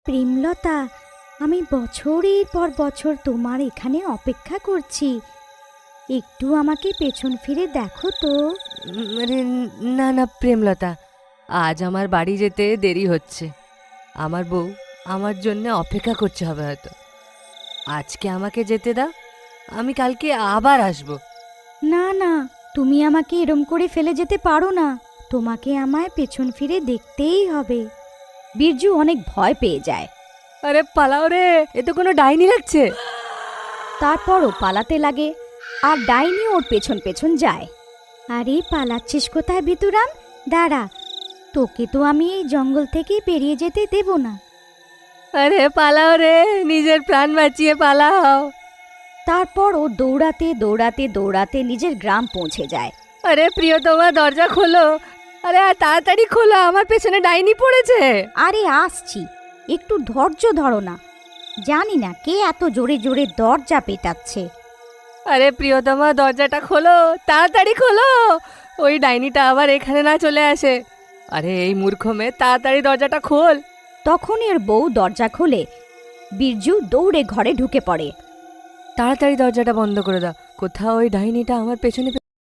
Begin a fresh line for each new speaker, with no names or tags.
প্রেমলতা, আমি বছরের পর বছর তোমার এখানে অপেক্ষা করছি। একটু আমাকে পেছন ফিরে দেখো তো।
আরে না না প্রেমলতা, আজ আমার বাড়ি যেতে দেরি হচ্ছে। আমার বউ আমার জন্য অপেক্ষা করতে হবে হয়তো। আজকে আমাকে যেতে দাও, আমি কালকে আবার আসব।
না না, তুমি আমাকে এরম করে ফেলে যেতে পারো না। তোমাকে আমায় পেছন ফিরে দেখতেই হবে। বীরজু অনেক ভয় পেয়ে যায়।
আরে পালাও রে, এ তো কোনো ডাইনি লাগছে।
তারপরও পালাতে লাগে, আর ডাইনি ওর পেছন পেছন যায়। আরে পালাচ্ছিস কোথায় ভিতুরাম? দাঁড়া, তোকে তো আমি এই জঙ্গল থেকে বেরিয়ে যেতে দেব না।
আরে পালাও রে, নিজের প্রাণ বাঁচিয়ে পালাও।
তারপর ও দৌড়াতে দৌড়াতে দৌড়াতে নিজের গ্রাম পৌঁছে যায়।
আরে প্রিয়তমা, দরজা খোলো। আরে আর তাড়াতাড়ি খোলো, আমার পেছনে ডাইনি পড়েছে।
আরে আসছি, একটু ধৈর্য ধরো না। জানি না কে এত জোরে জোরে দরজা পেটাচ্ছে।
আরে প্রিয়তমা, দরজাটা খোলো, তাড়াতাড়ি খোলো, ওই ডাইনিটা আবার এখানে না চলে আসে। আরে এই মূর্খ মেয়ে, তাড়াতাড়ি দরজাটা খোল।
তখন এর বউ দরজা খোলে। বীরজু দৌড়ে ঘরে ঢুকে পড়ে।
তাড়াতাড়ি দরজাটা বন্ধ করে দাও, কোথাও ওই ডাইনিটা আমার পেছনে